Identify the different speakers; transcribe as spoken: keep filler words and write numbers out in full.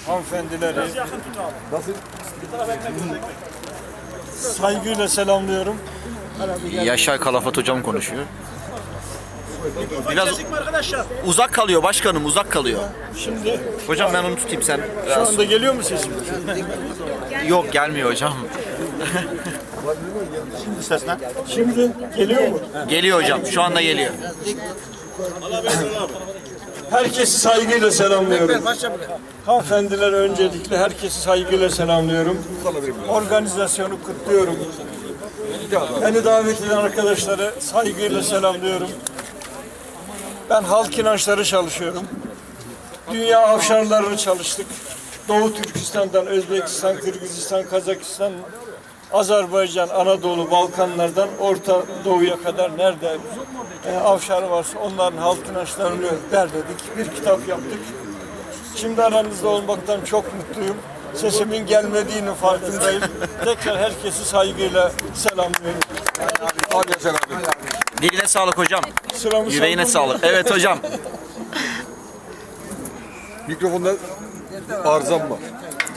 Speaker 1: hanımefendileri saygıyla selamlıyorum.
Speaker 2: Yaşar Kalafat hocam konuşuyor. Biraz uzak kalıyor başkanım, uzak kalıyor.
Speaker 1: Şimdi
Speaker 2: Hocam ben onu tutayım, sen.
Speaker 1: şu anda geliyor mu sesim?
Speaker 2: Yok, gelmiyor hocam.
Speaker 1: Şimdi geliyor mu?
Speaker 2: Geliyor hocam, şu anda geliyor.
Speaker 1: Herkesi saygıyla selamlıyorum. Hanımefendiler öncelikle herkesi saygıyla selamlıyorum. Organizasyonu kutluyorum. Beni davet eden arkadaşları saygıyla selamlıyorum. Ben halk inançları çalışıyorum. Dünya avşarlarını çalıştık. Doğu Türkistan'dan, Özbekistan, Kırgızistan, Kazakistan, Azerbaycan, Anadolu, Balkanlardan Orta Doğu'ya kadar nerede e, avşar varsa onların halk inançlarını derledik. Bir kitap yaptık. Şimdi aranızda olmaktan çok mutluyum. Sesimin gelmediğinin farkındayım. Tekrar herkesi saygıyla selamlıyorum.
Speaker 2: Diline sağlık hocam.
Speaker 1: Sıramı
Speaker 2: Yüreğine
Speaker 1: saldım.
Speaker 2: sağlık. Evet hocam.
Speaker 3: Mikrofonda arızam var.